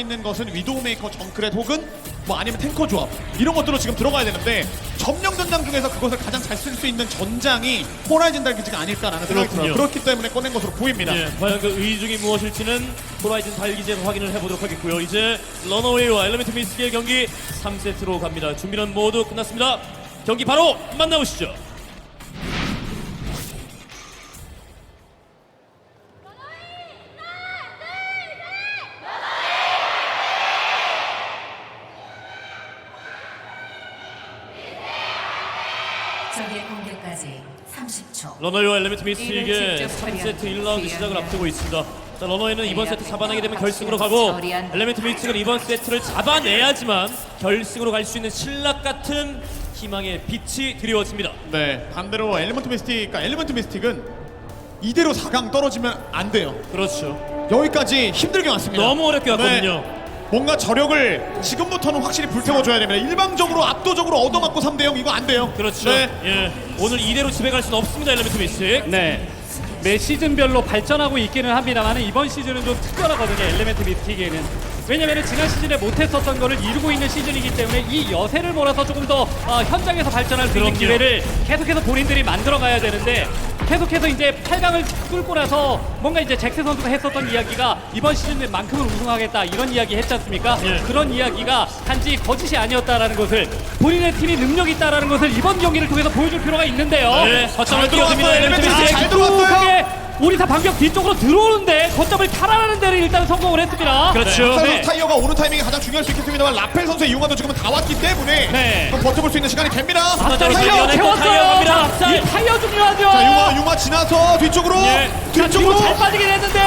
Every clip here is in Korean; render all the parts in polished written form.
있는 것은 위도우메이커, 정크렛 혹은 뭐 아니면 탱커 조합 이런 것들로 지금 들어가야 되는데 점령 전장 중에서 그것을 가장 잘 쓸 수 있는 전장이 호라이즌 달기지가 아닐까라는 생각이 들어요. 그렇기 때문에 꺼낸 것으로 보입니다. 예, 과연 그 의중이 무엇일지는 호라이즌 달기제로 확인을 해보도록 하겠고요. 이제 러너웨이와 엘리멘트 미스틱의 경기 3세트로 갑니다. 준비는 모두 끝났습니다. 경기 바로 만나보시죠. 적의 공격까지 30초. 러너웨이와 엘리멘트 미스틱의 이를 직접 3세트 1라운드 시작을 처리하면 앞두고 있습니다. 자, 러너웨이는 이번 세트 잡아내게 되면 결승으로 가고 엘리멘트 미스틱은 이번 세트를 잡아내야지만 결승으로 갈 수 있는 신락 같은 희망의 빛이 드리워집니다. 네, 반대로 엘리먼트 미스틱, 그러니까 엘리먼트 미스틱은 이대로 4강 떨어지면 안 돼요. 그렇죠. 여기까지 힘들게 왔습니다. 너무 어렵게 왔거든요. 네, 뭔가 저력을 지금부터는 확실히 불태워줘야 됩니다. 일방적으로 압도적으로 얻어맞고 3대0 이거 안 돼요. 그렇죠. 네. 예, 오늘 이대로 집에 갈 수는 없습니다. 엘리멘트 미스틱. 네. 매 시즌별로 발전하고 있기는 합니다만 이번 시즌은 좀 특별하거든요. 엘리멘트 미스틱에는. 왜냐면 지난 시즌에 못했었던 거를 이루고 있는 시즌이기 때문에 이 여세를 몰아서 조금 더 현장에서 발전할 수 있는 그럼요. 기회를 계속해서 본인들이 만들어가야 되는데 계속해서 이제 8강을 뚫고 나서 뭔가 이제 잭스 선수가 했었던 이야기가 이번 시즌만큼은 우승하겠다 이런 이야기 했지 않습니까? 예. 그런 이야기가 단지 거짓이 아니었다라는 것을 본인의 팀이 능력이 있다라는 것을 이번 경기를 통해서 보여줄 필요가 있는데요. 네, 거점을 잘 뛰어듭니다. 들어갔어요. 엘리멘트 엘리멘트 미스틱. 잘 들어갔어요. 오리사 반격 뒤쪽으로 들어오는데 거점을 탈환하는 데를 일단 성공을 했습니다. 그렇죠. 박찬호 네. 선수 타이어가 오는 타이밍이 가장 중요할 수 있겠습니다만 라펠 선수의 이용화도 지금은 다 왔기 때문에 네. 좀 버텨볼 수 있는 시간이 됩니다. 앞자리 타이어 밀려내고 채웠어요. 타이어 갑니다. 자, 앞살. 이 타이어 중요하죠. 자, 융화 지나서 뒤쪽으로 예. 자, 뒤쪽으로 뒤로 잘 빠지긴 했는데요.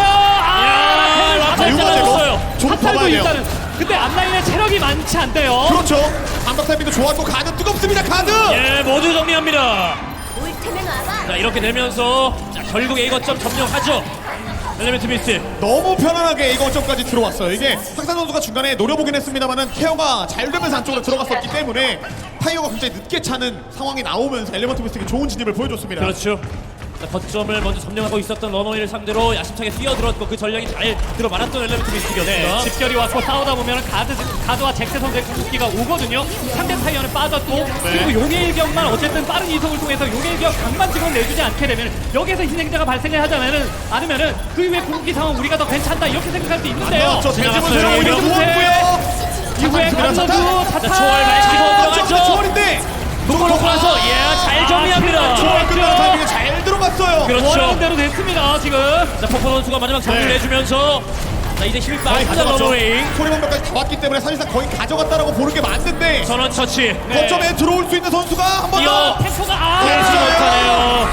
야, 라펠 융화 잘랐어요. 좀 탑살도 봐봐야 돼요. 일단은 근데 앞라인에 체력이 많지 않대요. 그렇죠. 반박 타이밍도 좋았고 가드 뜨겁습니다. 가드. 예, 모두 정리합니다. 올 테면 와봐. 자, 이렇게 되면서 자, 결국 A 거점 점령하죠. 엘리멘트 미스틱. 너무 편안하게 A 거점까지 들어왔어요. 이게 상산 선수가 중간에 노려보긴 했습니다만은 케어가 잘 되면서 안쪽으로 들어갔었기 때문에 타이어가 굉장히 늦게 차는 상황이 나오면서 엘리먼트 미스틱이 좋은 진입을 보여줬습니다. 그렇죠. 자, 거점을 먼저 점령하고 있었던 러너웨이를 상대로 야심차게 뛰어들었고 그 전략이 잘 들어맞았던 엘리멘트 미스틱이었습니다. 집결이 왔고 싸우다 보면 가드와 잭스 선수의 궁극기가 오거든요. 상대 타이어는 빠졌고 그리고 용의 일격만 어쨌든 빠른 이속을 통해서 용의 일격 강만 지금 내주지 않게 되면 여기에서 희생자가 발생을 하자면은 아니면은 그 이후에 궁극기 상황 우리가 더 괜찮다 이렇게 생각할 수 있는데요. 저 대지문 지나갔어요. 새로 오히려 이병세. 누웠고요. 이후에 강선수 자, 자타 초월 많이 치고 들어갔죠. 초월인데 놓고 나서 잘 정리합니다. 초월 끝나는 타이밍에 잘 들어갔어요. 그렇죠. 원하는 대로 됐습니다 지금. 자, 포포 선수가 마지막 정리를 네. 해주면서 자, 이제 힘이 거의 빠지다 가져갔죠. 러너웨이. 소리방벽까지 다 왔기 때문에 사실상 거의 가져갔다라고 보는 게 맞는데 전원 처치. 거점에 들어올 수 있는 선수가 한 번 이어 더. 템포가 되지 네. 못하네요.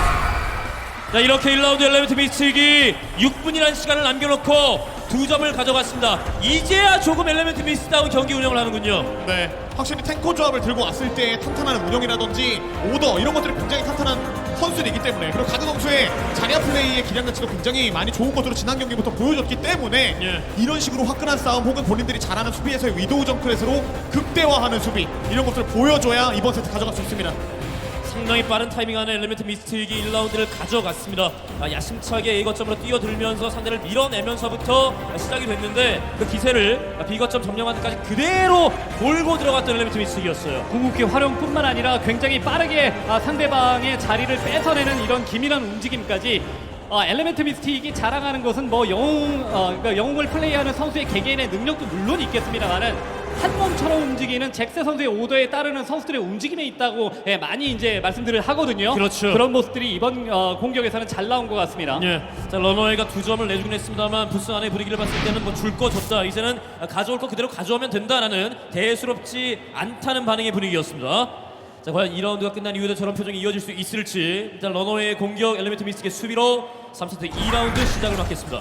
자, 이렇게 1라운드 엘리멘트 미스틱이 6분이라는 시간을 남겨놓고 2점을 가져갔습니다. 이제야 조금 엘리멘트 미스다운 경기 운영을 하는군요. 네, 확실히 탱커 조합을 들고 왔을 때 탄탄한 운영이라든지 오더 이런 것들이 굉장히 탄탄한 선수이기 때문에 그리고 가드 선수의 자리아 플레이의 기량 자체도 굉장히 많이 좋은 것으로 지난 경기부터 보여줬기 때문에 예. 이런 식으로 화끈한 싸움 혹은 본인들이 잘하는 수비에서의 위도우 정크렛으로 극대화하는 수비 이런 것들을 보여줘야 이번 세트 가져갈 수 있습니다. 상당히 빠른 타이밍 안에 엘리멘트 미스틱이 1라운드를 가져갔습니다. 야심차게 A거점으로 뛰어들면서 상대를 밀어내면서부터 시작이 됐는데 그 기세를 B거점 점령하는 데까지 그대로 몰고 들어갔던 엘리멘트 미스틱이었어요. 궁극기 활용뿐만 아니라 굉장히 빠르게 상대방의 자리를 뺏어내는 이런 기민한 움직임까지 엘리멘트 미스틱이 자랑하는 것은 뭐 그러니까 영웅을 플레이하는 선수의 개개인의 능력도 물론 있겠습니다만은 한 몸처럼 움직이는 잭스 선수의 오더에 따르는 선수들의 움직임에 있다고 많이 이제 말씀들을 하거든요. 그렇죠. 그런 모습들이 이번 공격에서는 잘 나온 것 같습니다. 예. 자, 러너웨이가 2점을 내주긴 했습니다만 부스 안의 분위기를 봤을 때는 뭐 줄 거 줬다. 이제는 가져올 거 그대로 가져오면 된다라는 대수롭지 않다는 반응의 분위기였습니다. 자, 과연 2라운드가 끝난 이후에도 저런 표정이 이어질 수 있을지. 일단 러너웨이의 공격, 엘리멘트 미스틱의 수비로 3세트 2라운드 시작을 맞겠습니다.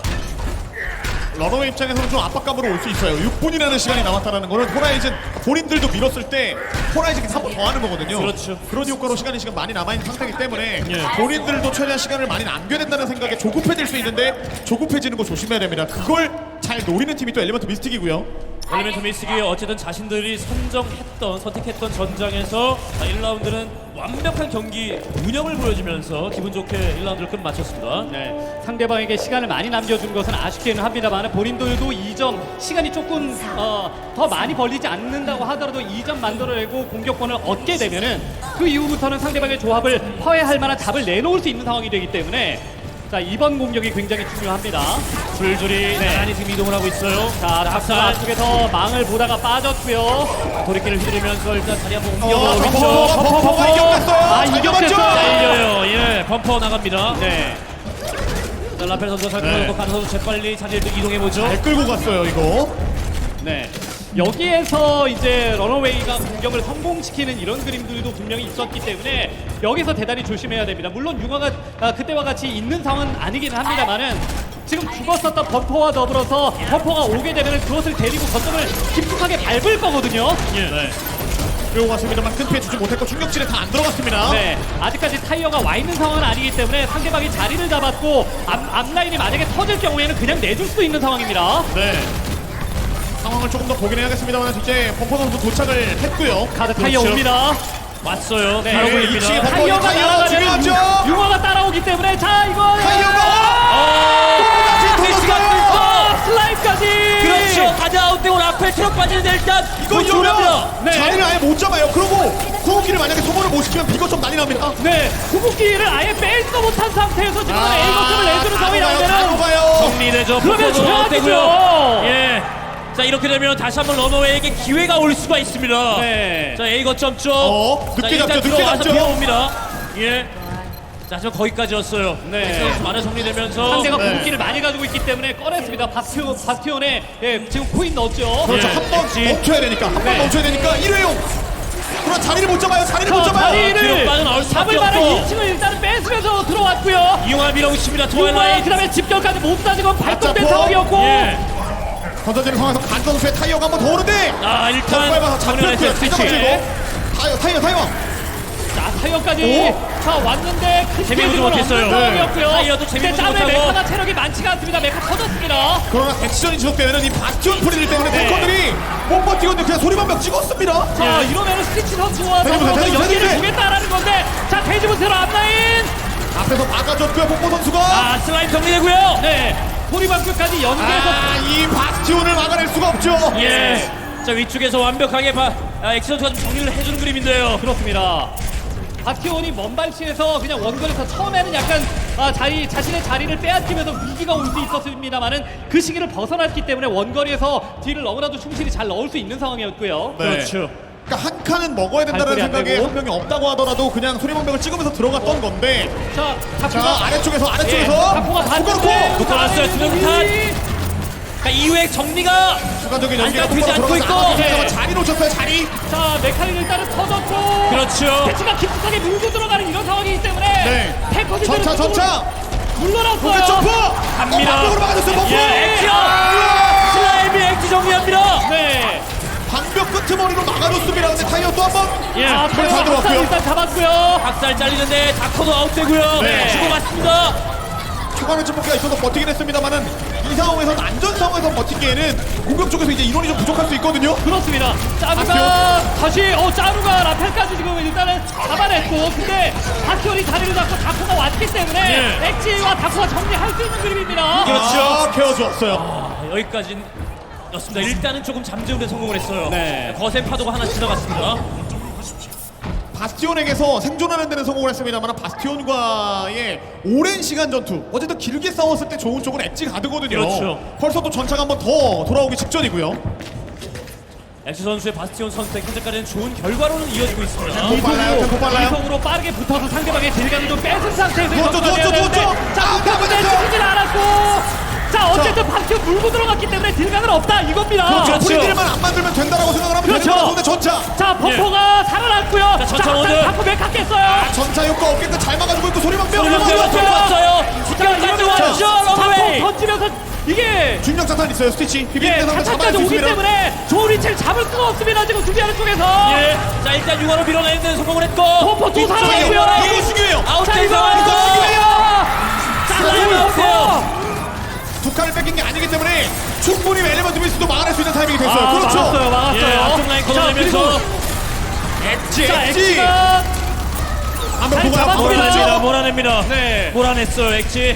러너웨이 입장에서는 좀 압박감으로 올 수 있어요. 6분이라는 시간이 남았다는 거는 호라이즌 본인들도 밀었을 때 호라이즌이 한 번 더 하는 거거든요. 그렇죠. 그런 효과로 시간이 지금 많이 남아있는 상태이기 때문에 예. 본인들도 최대한 시간을 많이 남겨야 된다는 생각에 조급해질 수 있는데 조급해지는 거 조심해야 됩니다. 그걸 잘 노리는 팀이 또 엘리먼트 미스틱이고요. 엘리멘트 미스틱이 어쨌든 자신들이 선택했던 전장에서 1라운드는 완벽한 경기 운영을 보여주면서 기분 좋게 1라운드를 끝마쳤습니다. 네, 상대방에게 시간을 많이 남겨준 것은 아쉽기는 합니다만 본인들도 2점 시간이 조금 더 많이 벌리지 않는다고 하더라도 2점 만들어내고 공격권을 얻게 되면은 그 이후부터는 상대방의 조합을 파괴할 만한 답을 내놓을 수 있는 상황이 되기 때문에 자, 이번 공격이 굉장히 중요합니다. 줄줄이 나란히 지금 이동을 하고 있어요. 자, 박사 앞쪽에서 망을 보다가 빠졌고요. 돌이키를 휘두르면서 일단 다리 한번 범퍼가 옮겨보고 이겼어요. 이겼겠어요. 잘려요. 예, 범퍼 나갑니다. 네. 자, 라펠 선수가 잘 끌고 가는 선수 재빨리 자리를 이동해보죠. 잘 끌고 갔어요 이거. 네. 여기에서 이제 러너웨이가 공격을 성공시키는 이런 그림들도 분명히 있었기 때문에 여기서 대단히 조심해야 됩니다. 물론 융화가 그때와 같이 있는 상황은 아니긴 합니다만은 지금 죽었었던 범퍼와 더불어서 범퍼가 오게 되면 그것을 데리고 거점을 깊숙하게 밟을 거거든요. 예. 그리고 왔습니다만 큰 피해 주지 못했고 충격질에 다 안 들어갔습니다. 네, 아직까지 타이어가 와 있는 상황은 아니기 때문에 상대방이 자리를 잡았고 앞라인이 만약에 터질 경우에는 그냥 내줄 수 있는 상황입니다. 네. 상황을 조금 더 보긴 해야겠습니다만 이제 범퍼 선수 도착을 했고요. 카드 타이어 그렇죠. 옵니다. 왔어요. 네, 바로 이 걸립니다. 층에 범퍼 타이어가 타이어 날아가면 중요하죠. 융화가 따라오기 때문에 자 이거 타이어가 돌았어요. 슬라임까지. 그렇죠. 가자 아웃되고 라펠 트럭 빠지는데 일단 이거 조심합니다. 이러면 네. 자리를 아예 못 잡아요. 그러고 구호기를 만약에 소모를 못 시키면 비거점 난리 납니다. 네, 구급기를 아예 빼지도 못한 상태에서 지금 A 거점을 내주는 상황이 가요. 나오면은 정리되죠. 그러면 범퍼도 아웃되고요. 최악이죠. 예. 자 이렇게 되면 다시 한번 러너웨이에게 기회가 올 수가 있습니다. 네. 자 A 거점 쪽. 늦게 자, 일단 잡죠, 늦게 들어와서 잡죠. 비워옵니다. 예. 자 지금 거기까지였어요. 네. 만화 정리되면서 상대가 네. 구급기를 많이 가지고 있기 때문에 꺼냈습니다. 바스티온에 지금 코인 넣었죠. 그렇죠. 예. 한 번 엑지. 멈춰야 되니까. 한 번 네. 멈춰야 되니까 일회용. 그러나 자리를 못 잡아요. 자리를 못 자, 잡아요. 뒤로 자리를 빠져나올 수밖에 잡을 만한 없고. 2층을 일단은 뺏으면서 들어왔고요. 이용화 밀어붙입니다. 융화에 트와일라이트. 그다음에 집결까지 못 따지고 발동된 맞잡고. 상황이었고 예. 던져지는 상황에서 간 선수의 타이어가 한 번 더 오는데 아 더 일단 밟아서 정리를 잡혔고요. 했어요. 스위치. 타이어. 자 타이어까지 자 왔는데 큰 재미보지 피해는 못했어요. 없는 상황이었고요. 네. 타이어도 근데 재미보지 짬에 못하고. 메카가 체력이 많지가 않습니다. 메카 터졌습니다. 그러나 액션이 지속되면 이 바스티온 프리들 때문에 네. 탱커들이 못 버티고 그냥 소리만 몇 찍었습니다. 자 이러면은 스티치 선수와 대지부, 더불어서 대지부, 연기를 대지부. 주겠다라는 건데 자 돼지부테로 앞라인 앞에서 막아줬고요. 폭포 선수가 아 슬라임 정리되고요. 네 소리방패까지 연계해서 이 바스티온을 막아낼 수가 없죠. 예. 자 위쪽에서 완벽하게 엑시선수가 좀 정리를 해주는 그림인데요. 그렇습니다. 바티온이 먼 발치에서 그냥 원거리에서 처음에는 약간 자신의 자리를 빼앗기면서 위기가 올 수 있었습니다만은 그 시기를 벗어났기 때문에 원거리에서 딜을 너무나도 충실히 잘 넣을 수 있는 상황이었고요. 네. 그렇죠. 그러니까 한 칸은 먹어야 된다는 발걸이 안 생각에 되고. 한 명이 없다고 하더라도 그냥 소리방벽을 찍으면서 들어갔던 건데 자, 자 다크가 아래쪽에서 다크가 갔는데 묶어놨어요. 두명탄. 자 이후에 정리가 추가적인 연기가 안타깝지 똑바로 않고 들어가서 있고. 네. 자리 놓쳤어요. 자리. 자 메카닉 일단은 터졌고 그렇죠. 대치가 깊숙하게 물고 들어가는 이런 상황이기 때문에 네. 탱커들이 전차. 물러났어요. 로켓 점프. 갑니다. 방벽으로 막아줬어요. 범퍼. 예, 액션. 슬라임이 액지 정리합니다. 네. 방벽 끄트머리로 막아줬습니다. 근데 타이어 또 한 번. 예. 자, 잘 타이어 들어갔고요. 박살 일단 잡았고요. 박살 잘리는데 다커도 아웃되고요. 네. 주고받습니다. 초반에 점프가 있어서 버티긴 했습니다만은 이 상황에서는 안전 상황에서 버티기에는 공격 쪽에서 이제 인원이 좀 부족할 수 있거든요. 그렇습니다. 짜루가 다시 짜루가 라펠까지 지금 일단은 잡아냈고 근데 다키온이 자리를 잡고 다코가 왔기 때문에 예. 엑지와 다코가 정리할 수 있는 그림입니다. 그렇죠. 케어주었어요. 여기까지였습니다. 일단은 조금 잠재우는 성공을 했어요. 네. 거센 파도가 하나 지나갔습니다. 바스티온에게서 생존하는 데는 성공을 했습니다만 바스티온과의 오랜 시간 전투 어쨌든 길게 싸웠을 때 좋은 쪽은 엣지 가드거든요. 그렇죠. 벌써 또 전차가 한 번 더 돌아오기 직전이고요. 엑스 선수의 바스티온 선택 현재까지는 좋은 결과로는 이어지고 있습니다. 템포 빨라요. 이성으로 빠르게 붙어서 상대방의 딜감을 좀 뺏은 상태에서 누웠죠, 누웠죠. 자 아, 붙었는데 맞았어요. 죽이질 않았고 자 어쨌든 바스티온 물고 들어갔기 때문에 딜감은 없다 이겁니다. 그렇죠. 그렇죠. 프리딜만 안 만들면 된다라고 생각을 하면 그렇죠. 되는 거라서 근데 전차. 자 범퍼가 살아났고요. 자, 전차 오늘. 다코 맥 깎겠어요. 전차 효과 없겠다. 잘 막아주고 있고 소리방벽. 소리방벽 들어왔어요. 이러면 왔죠, 러너웨이. 던지면서 이게 중력 자탄 있어요. 스티치. 비비는 예, 상대 잡아낼 차차까지 수 오기 있습니다. 때문에 좋은 위치를 잡을 수가 없습니다. 지금 수비하는 쪽에서. 예. 자 일단 융화로 밀어내는 데 성공을 했고. 범퍼 또 살아났고요. 이거 중요해요. 아웃된 이거 상황이고. 중요해요. 자, 슬라임 이거 아웃이에요. 두 칸을 뺏긴 게 아니기 때문에 충분히 엘리먼트 미스도 막아낼 수 있는 타이밍이 됐어요. 그렇죠. 막았어요. 예, 앞쪽 라인 걷어내면서 엣지, 자, 엣지. 엑지가 한번 잘 보고 잡았습니다. 몰아냅니다. 네. 몰아냈어요, 엑지.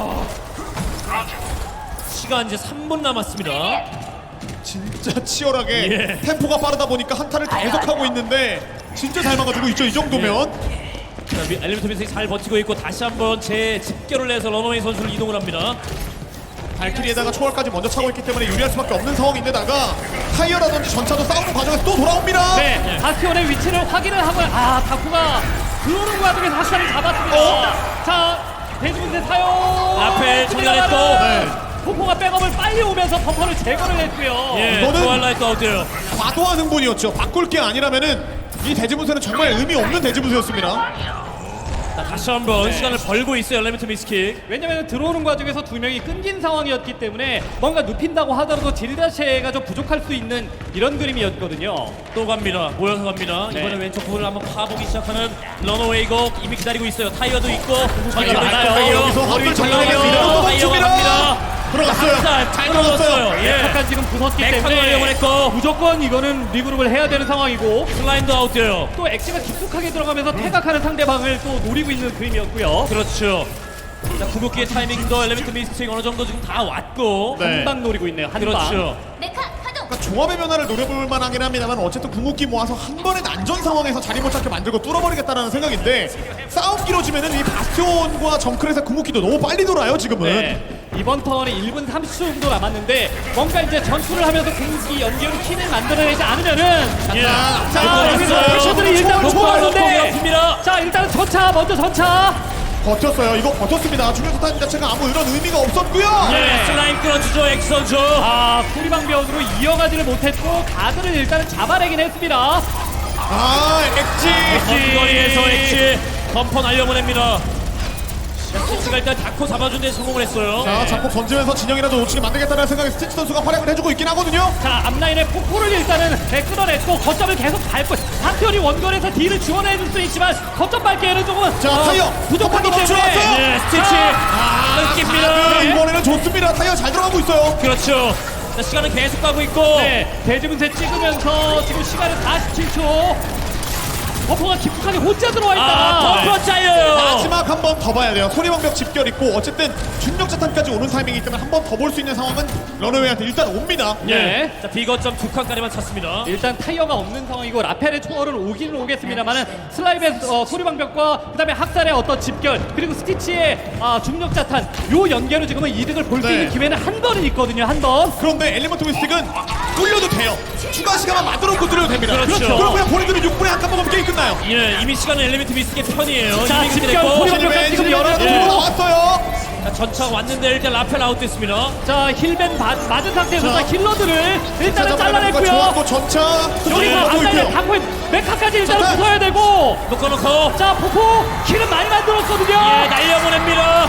시간 이제 3분 남았습니다. 진짜 치열하게 예. 템포가 빠르다 보니까 한타를 계속하고 있는데 진짜 잘 막아주고 있죠. 이 정도면. 자, 엘리멘트 미스틱 잘 버티고 있고 다시 한번 제 집결을 해서 러너웨이 선수를 이동을 합니다. 발키리에다가 초월까지 먼저 차고 있기 때문에 유리할 수밖에 없는 상황인데다가 타이어라든지 전차도 싸우는 과정에서 또 돌아옵니다. 네, 바스티온의 위치를 확인을 하고 다쿠가 들어오는 과정에서 확실히 잡았습니다. 자, 대지분세 사용. 라펠 정리했고. 네. 포포가 백업을 빨리 오면서 버퍼를 제거를 했고요. 예, 이거는- 트와일라이트 아웃이에요. 과도한 흥분이었죠. 바꿀 게 아니라면은 이 대지분세는 정말 의미 없는 대지분세였습니다. 자, 다시 한번 시간을 벌고 있어요, 엘리멘트 미스틱. 왜냐면 들어오는 과정에서 두 명이 끊긴 상황이었기 때문에 뭔가 눕힌다고 하더라도 질 자체가 좀 부족할 수 있는 이런 그림이었거든요. 또 갑니다. 모여서 갑니다. 네. 이번에 왼쪽 부분을 한번 파보기 시작하는 러너웨이고 이미 기다리고 있어요. 타이어도 있고 타이어 많아요. 타이어. 여기서 머리를 한줄 잘라내면서 잘라내면서 타이어가 갑니다. 들어갔어요. 잘 들어갔어요. 예. 약간 지금 부쉈기 백화도 때문에 활용을 했고. 무조건 이거는 리그룹을 해야 되는 상황이고 슬라임도 아웃돼요. 또 엑시가 깊숙하게 들어가면서 태각하는 상대방을 또 노리고 있는 그림이었고요. 그렇죠. 자, 궁극기의 타이밍도 엘리멘트 미스틱 어느 정도 지금 다 왔고. 네. 한 방 노리고 있네요. 한 방. 그렇죠. 메카 가동. 그러니까 조합의 변화를 노려볼 만하긴 합니다만 어쨌든 궁극기 모아서 한 번에 난전 상황에서 자리 못 잡게 만들고 뚫어버리겠다는 생각인데 싸움 길어지면은 이 바스티온과 정크렛의 궁극기도 너무 빨리 돌아요 지금은. 네. 이번 턴에 1분 30초 정도 남았는데 뭔가 이제 전투를 하면서 공기 연결 킨을 만들어내지 않으면은 예. 자, 여기서 패션들이 일단 놓고 왔는데 니다 자, 일단은 전차 먼저 전차. 버텼어요. 이거 버텼습니다. 중요한 타임 자체가 아무 이런 의미가 없었고요. 예. 슬라임 끌어주죠, 엑스 선수. 소리방변으로 이어가지를 못했고 가드를 일단은 잡아내긴 했습니다. 엑지. 거리에서 엑시 덤퍼 날려보냅니다. 스티치가 일단 다코 잡아준 데 성공을 했어요. 자, 자폭 던지면서 진영이라도 놓치게 만들겠다는 생각에 스티치 선수가 활약을 해주고 있긴 하거든요. 자, 앞라인에 폭포를 일단은 끌어냈고 거점을 계속 밟고 한편이 원거리에서 딜을 지원해줄 수 있지만 거점 밟기에는 조금 자, 타이어. 부족하기 한번 때문에 멈춰놨어요. 네, 스티치 끊깁니다. 자, 이번에는 좋습니다. 타이어 잘 들어가고 있어요. 그렇죠. 자, 시간은 계속 가고 있고. 네, 대지분세 찍으면서 지금 시간은 47초. 버퍼가 깊숙하게 혼자 들어와 있다가 덤퍼 잘려요. 마지막 한 번 더 봐야 돼요. 소리방벽 집결 있고 어쨌든 중력자탄까지 오는 타이밍이기 때문에 한 번 더 볼 수 있는 상황은 러너웨이한테 일단 옵니다. 네. 자, 비거점 두 칸까지만 찼습니다. 일단 타이어가 없는 상황이고 라펠의 초월은 오기는 오겠습니다만은 슬라임의 소리방벽과 그다음에 학살의 어떤 집결 그리고 스티치의 중력자탄 요 연계로 지금은 이득을 볼 수 네. 있는 기회는 한 번은 있거든요. 한 번. 그런데 엘리먼트 미스틱은 뚫려도 돼요. 추가 시간만 만들어놓고 뚫려도 됩니다. 그렇죠. 그럼 그냥 본인들은 6분에 한 칸 먹으면 게임 끝나요. 예, 이미 시간은 엘리멘트 미스틱의 편이에요. 자, 이미 집결 됐고. 소리방벽 지금 열어도 들고 나왔어요. 자, 전차 왔는데 일단 라펠 아웃됐습니다. 자, 힐벤 맞은 상태에서 자. 자, 힐러들을 일단은 거 잘라냈고요. 좋았고 전차 여기서 네, 앞라인에 있고요. 닭포인 메카까지 일단 자, 부숴야 되고 놓고. 자, 포포 킬은 많이 만들었거든요. 예, 날려보냅니다.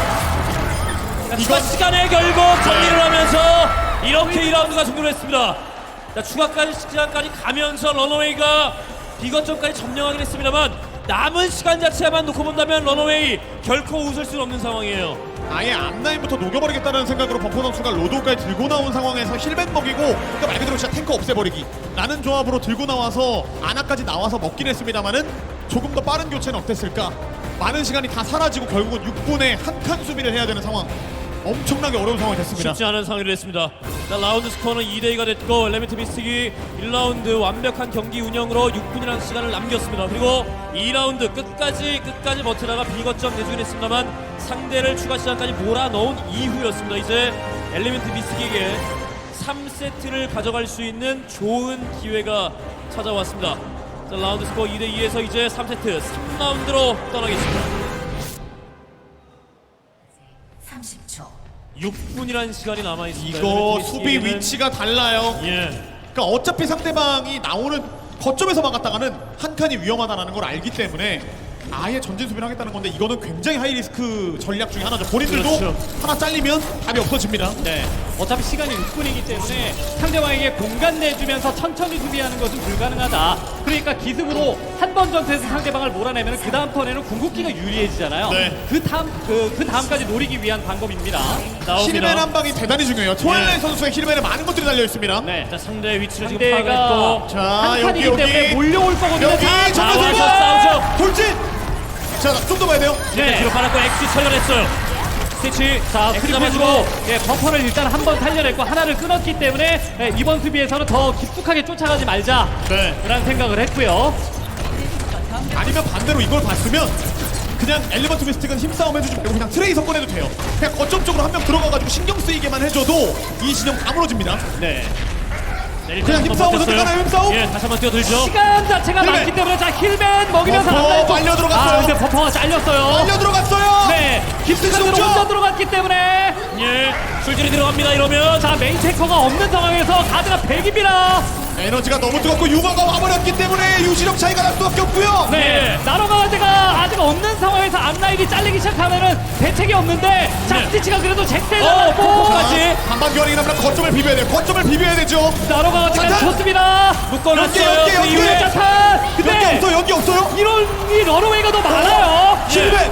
자, 추가 시간에 결국 정리를 하면서 이렇게 2라운드가 종료를 했습니다. 자, 추가까지 시간까지 가면서 러너웨이가 비거점까지 점령하긴 했습니다만 남은 시간 자체만 놓고 본다면 러너웨이 결코 웃을 수는 없는 상황이에요. 아예 앞라인부터 녹여버리겠다는 생각으로 범퍼 선수가 로드까지 들고 나온 상황에서 힐백 먹이고 그러니까 말 그대로 진짜 탱커 없애버리기 라는 조합으로 들고 나와서 아나까지 나와서 먹긴 했습니다만은 조금 더 빠른 교체는 어땠을까. 많은 시간이 다 사라지고 결국은 6분에 한 칸 수비를 해야 되는 상황. 엄청나게 어려운 상황이 됐습니다. 쉽지 않은 상황이 됐습니다. 자, 라운드 스코어는 2대2가 됐고 엘리멘트 미스틱이 1라운드 완벽한 경기 운영으로 6분이라는 시간을 남겼습니다. 그리고 2라운드 끝까지 버티다가 비거점 내주긴 했습니다만 상대를 추가 시간까지 몰아넣은 이후였습니다. 이제 엘리멘트 미스틱에게 3세트를 가져갈 수 있는 좋은 기회가 찾아왔습니다. 자, 라운드 스코어 2대2에서 이제 3세트 3라운드로 떠나겠습니다. 30초. 6분이라는 시간이 남아있습니다. 이거 엘리멘트 수비 미스틱에게는- 위치가 달라요. 예. 그러니까 어차피 상대방이 나오는 거점에서 막았다가는 한 칸이 위험하다는 걸 알기 때문에 아예 전진 수비를 하겠다는 건데 이거는 굉장히 하이리스크 전략 중에 하나죠. 본인들도 그렇죠. 하나 잘리면 답이 없어집니다. 네. 어차피 시간이 6분이기 때문에 상대방에게 공간 내주면서 천천히 수비하는 것은 불가능하다. 그러니까 기습으로 한 번 전투에서 상대방을 몰아내면 그 다음 턴에는 궁극기가 유리해지잖아요. 네. 그 다음까지 노리기 위한 방법입니다. 힐맨 한 방이 대단히 중요해요. 트와일라이트 선수의 힐맨에 많은 것들이 달려 있습니다. 네. 자, 상대의 위치를 지금 상대가 파악했고 자, 한 여기, 칸이기 때문에 여기. 몰려올 거거든요. 여기 자, 정면 나와서 들고 싸우죠. 돌진. 자, 좀 더 봐야 돼요. 네. 뒤로 빨았고 엑시 처리했어요. 스티치. 자, 엑스 크리프로 잡아주고. 버퍼를 일단 한 번 살려냈고 하나를 끊었기 때문에 이번 수비에서는 더 깊숙하게 쫓아가지 말자라는 네. 생각을 했고요. 아니면 반대로 이걸 봤으면 그냥 엘리먼트 미스틱은 힘싸움 해주지 말고 그냥 트레이서 꺼내도 돼요. 그냥 거점 쪽으로 한 명 들어가가지고 신경 쓰이게만 해줘도 이 진영 다 무너집니다. 네. 그냥 힘싸움 선택하나요, 힘싸움? 예, 다시 한번 뛰어들죠. 시간 자체가 힐맨. 많기 때문에 자 힐맨 먹이면서 버퍼 앞라인 쪽- 빨려 들어갔어요. 아, 근데 버퍼가 잘렸어요. 빨려 들어갔어요. 네, 깊숙한 데로 진짜. 혼자 들어갔기 때문에 예, 술줄이 들어갑니다. 이러면 자 메인 테커가 없는 상황에서 가드가 100입니다. 에너지가 너무 뜨겁고 유마가 와버렸기 때문에 유지력 차이가 날 수밖에 없고요. 네, 나로가드가 아직 없는 상황에서 앞라인이 잘리기 시작하면은 대책이 없는데 자 네. 스티치가 그래도 잭대 어, 잡았고 폭포까지. 한방 교환이라면 거점을 비벼야 돼요. 거점을 비벼야 되죠. 나로가드가 자탄! 좋습니다. 묶어놨어요. 연계, 그 연계. 이후에 자탄. 연기 근데 없어요. 연기 없어요. 이런 이 러너웨이가 더 많아요. 힐맨.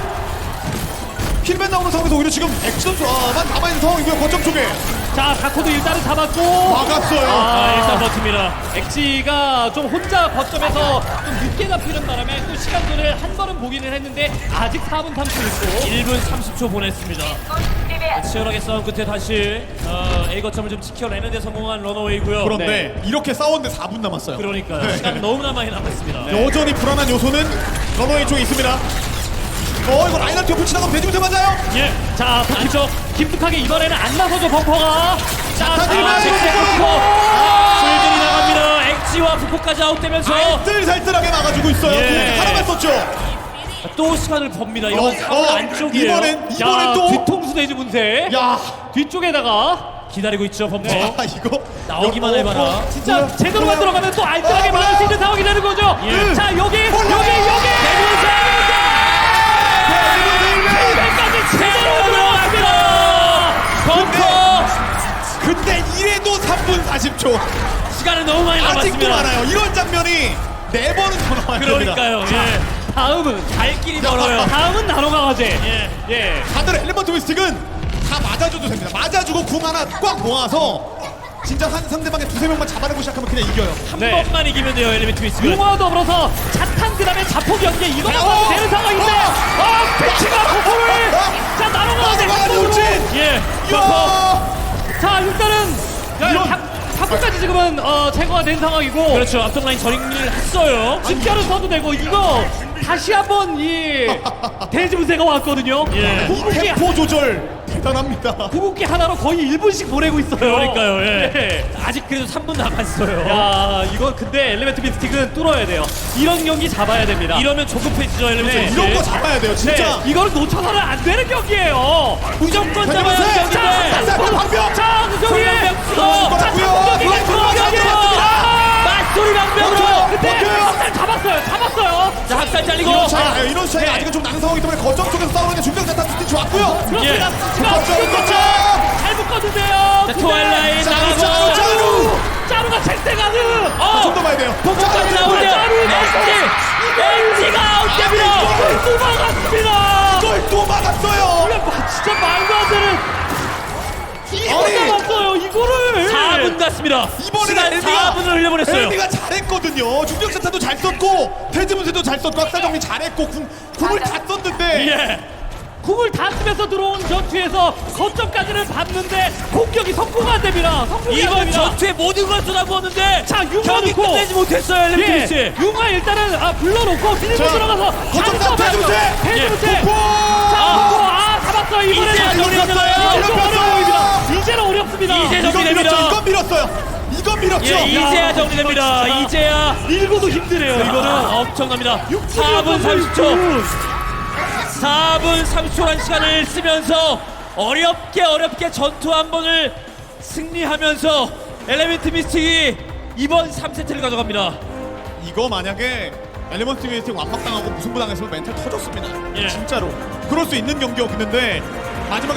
힐맨 나오는 상황에서 오히려 지금 액션만 남아있는 상황이고요. 거점 쪽에 자 다코도 일단은 잡았고 막았어요. 아, 일단 버팁니다. 엑지가 좀 혼자 거점에서 좀 늦게 잡히는 바람에 또 시간들을 한 번은 보기는 했는데 아직 4분 30초. 1분 30초 보냈습니다. 치열하게 싸운 끝에 다시 A 거점을 좀 지켜내는 데 성공한 러너웨이고요. 그런데 이렇게 싸웠는데 4분 남았어요. 그러니까요. 시간 너무나 많이 남았습니다. 여전히 불안한 요소는 러너웨이 쪽에 있습니다. 이거 라인한테 옆을 지나가면 돼지부터 맞아요. 예. 자 안쪽 깊숙하게 이번에는 안 나서죠 벙커가. 자 힐맨! 잭스 푸포. 술들이 나갑니다. 엑지와 푸포까지 아웃되면서 알뜰살뜰하게 막아주고 있어요. 예. 공격 하나만 썼죠. 또 시간을 법니다. 이런 사물 안쪽이에요. 이번엔 야, 또 뒤통수 대지 분쇄. 야, 뒤쪽에다가 기다리고 있죠, 범퍼. 이거 나오기만 해봐라. 진짜 제대로만 들어가면 또 알뜰하게 막을 수 있는 상황이 되는 거죠. 예. 자 여기 여기까지 제대로 들어갔습니다. 범퍼. 근데 이래도 3분 40초. 시간은 너무 많이 아직도 남았습니다. 많아요. 이런 장면이 4번은 더 나와야 됩니다. 그러니까요. 예. 다음은 갈 길이 멀어요. 다음은 나노가 화제. 예. 예. 다들 엘리먼트 미스틱은 다 맞아줘도 됩니다. 맞아주고 궁 하나 꽉 모아서 진짜 상대방의 두세 명만 잡아내고 시작하면 그냥 이겨요. 한 네. 번만 이기면 돼요, 엘리멘트 미스가. 용화와 더불어서 자탄 그다음에 자폭 연계 이거만 어! 봐도 되는 상황인데 패치가 폭포를 자 나노가 화제 나노가 돌진! 예. 범퍼. 이야! 자 일단은 이런- 자폭까지 지금은 제거가 된 상황이고 그렇죠. 앞선 라인 정리를 했어요. 집결은 써도 되고 이거 다시 한번 이 대지분쇄가 왔거든요. 예. 궁극기 템포 조절 대단합니다. 궁극기 하나로 거의 1분씩 보내고 있어요. 그러니까요. 예. 네. 아직 그래도 3분 남았어요. 야 이거 근데 엘리멘트 미스틱은 뚫어야 돼요. 이런 경기 잡아야 됩니다. 이러면 조급해지죠, 엘리멘트 네. 미스. 이런 거 잡아야 돼요, 진짜. 네, 이거는 놓쳐서는 안 되는 경기예요. 무조건 잡아야 대지분쇄! 하는 경기인데. 자, 방벽! 자, 우정이 맞소리 방벽으로. 그때 학살 잡았어요. 자, 학살 잘리고. 이런 차이, 이런 차이 아직은 좀 나는 상황이기 때문에 거점 쪽에서 싸우는 게 중병 자탄 스틱 좋았고요. 예. 그렇습니다. 거점, 거점! 잘 묶어주세요. 자, 트와일라인 자, 나가고. 자, 짜루가 잭대가드. 좀 더 봐야 돼요. 폭포까지 나오죠. 엑지가 아웃됩니다. 또 막았습니다. 이걸 또 막았어요. 진짜 말도 안 되는. 이거 막았어요. 이거를. 4분 갔습니다. 이번에는 시간 4분을 흘려보냈어요. 엘비가 잘했거든요. 중병 자탄도 잘 썼고 대지분쇄도 잘 썼고 학살 정리 잘했고 궁을 다 썼는데 예. 궁을 다 쓰면서 들어온 전투에서 거점까지는 봤는데 공격이 성공 안 됩니다. 성공이 안 이번 됩니다. 전투에 모든 걸 쏟아부었는데 자, 융화 경기 넣고. 끝내지 못했어요, 엘리멘트 미스. 예, 융화 일단은 불러놓고 밀고 자, 들어가서 거점 싸움 대지분쇄! 대지분쇄. 폭포! 잡았어요. 이번에는 이제 정리됐어요. 좀 어려워집니다. 이제는 어렵습니다. 이제 이건 정리됩니다. 밀었죠. 이건 밀었어요. 이건 밀었죠. 예, 이제야 정리됩니다. 진짜. 이제야 밀고도 힘드네요. 이거는 엄청납니다. 4분 30초. 4분 30초란 시간을 쓰면서 어렵게 전투 한 번을 승리하면서 엘리멘트 미스틱이 이번 3세트를 가져갑니다. 이거 만약에 엘리먼트 미스틱 완막당하고 무승부당했으면 멘탈 터졌습니다. 예. 진짜로 그럴 수 있는 경기였는데 마지막에